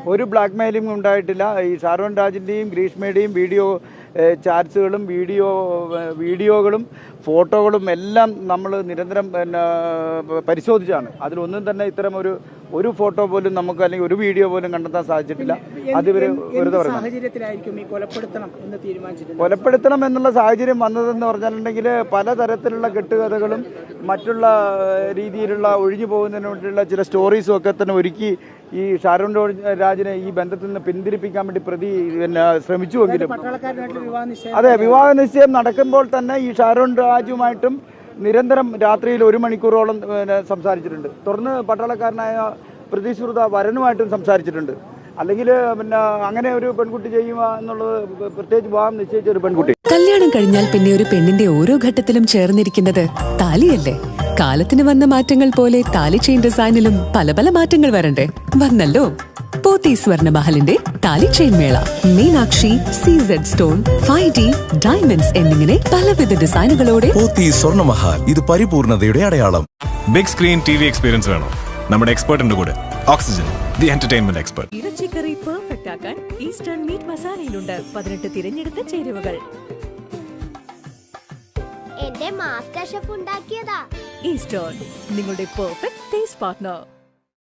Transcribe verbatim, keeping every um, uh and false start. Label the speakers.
Speaker 1: ഒരു black mailing ഉണ്ടായിട്ടില്ല. ഈ ഷാരോൺ രാജിൻ്റെയും ഗ്രീഷ്മയുടെയും വീഡിയോ ചാറ്റ്സുകളും വീഡിയോ വീഡിയോകളും ഫോട്ടോകളും എല്ലാം നമ്മൾ നിരന്തരം പിന്നെ പരിശോധിച്ചാണ്. അതിലൊന്നും തന്നെ ഇത്തരം ഒരു ഒരു ഫോട്ടോ പോലും നമുക്ക് അല്ലെങ്കിൽ ഒരു വീഡിയോ പോലും കണ്ടെത്താൻ സാധിച്ചിട്ടില്ല. അത് ഇവർ വെറുതെ പറഞ്ഞു. കൊലപ്പെടുത്തണം എന്നുള്ള സാഹചര്യം വന്നതെന്ന് പറഞ്ഞിട്ടുണ്ടെങ്കിൽ പലതരത്തിലുള്ള കെട്ടുകഥകളും മറ്റുള്ള രീതിയിലുള്ള ഒഴിഞ്ഞു പോകുന്നതിന് വേണ്ടിയുള്ള ചില സ്റ്റോറീസും ഒക്കെ തന്നെ ഒരുക്കി ഈ ഷാരോൺ രാജിനെ ഈ ബന്ധത്തിൽ നിന്ന് പിന്തിരിപ്പിക്കാൻ വേണ്ടി പ്രതി പിന്നെ ശ്രമിച്ചുവെങ്കിലും അതെ, വിവാഹ നിശ്ചയം നടക്കുമ്പോൾ തന്നെ ഈ ഷാരോൺ രാജുമായിട്ടും നിരന്തരം രാത്രിയിൽ ഒരു മണിക്കൂറോളം സംസാരിച്ചിട്ടുണ്ട്. തുടർന്ന് പട്ടാളക്കാരനായ പ്രതിശ്രുത വരനുമായിട്ടും സംസാരിച്ചിട്ടുണ്ട്. അല്ലെങ്കിൽ പിന്നെ അങ്ങനെ ഒരു പെൺകുട്ടി ചെയ്യുക എന്നുള്ളത് പ്രത്യേകിച്ച് വിവാഹം നിശ്ചയിച്ച ഒരു പെൺകുട്ടി.
Speaker 2: കല്യാണം കഴിഞ്ഞാൽ പിന്നെ ഒരു പെണ്ണിന്റെ ഓരോ ഘട്ടത്തിലും ചേർന്നിരിക്കുന്നത് താലിയല്ലേ? കാലത്തിന് വന്ന മാറ്റങ്ങൾ പോലെ താലി ചെയിൻ ഡിസൈനിലും പല പല മാറ്റങ്ങൾ വരണ്ടേ? വന്നല്ലോ പോത്തി സ്വർണ്ണമഹലിന്റെ thali chain mela. Meenakshi, CZ stone, five D diamonds എന്നിങ്ങനെ പലവിധ ഡിസൈനുകളോടെ
Speaker 3: പോത്തി സ്വർണ്ണമഹൽ. ഇത് പരിപൂർണതയുടെ അടയാളം.
Speaker 4: Big screen T V experience വേണോ? നമ്മുടെ എക്സ്പെർട്ടിന്റെ കൂടെ ഓക്സിജൻ, ദി എന്റർടൈൻമെന്റ് എക്സ്പെർട്ട്.
Speaker 2: ഇറച്ചിക്കറി പെർഫെക്റ്റ് ആക്കാൻ ഈസ്റ്റേൺ മീറ്റ് മസാലയിലുണ്ട് പതിനെട്ട് തിരഞ്ഞെടുത്ത ചേരുവകൾ.
Speaker 5: എന്റെ മാസ്റ്റർ ഷെഫ് ഉണ്ടാക്കിയതാ.
Speaker 2: ഈസ്റ്റേൺ, നിങ്ങളുടെ പെർഫെക്റ്റ് ടേസ്റ്റ് പാർട്ട്ണർ.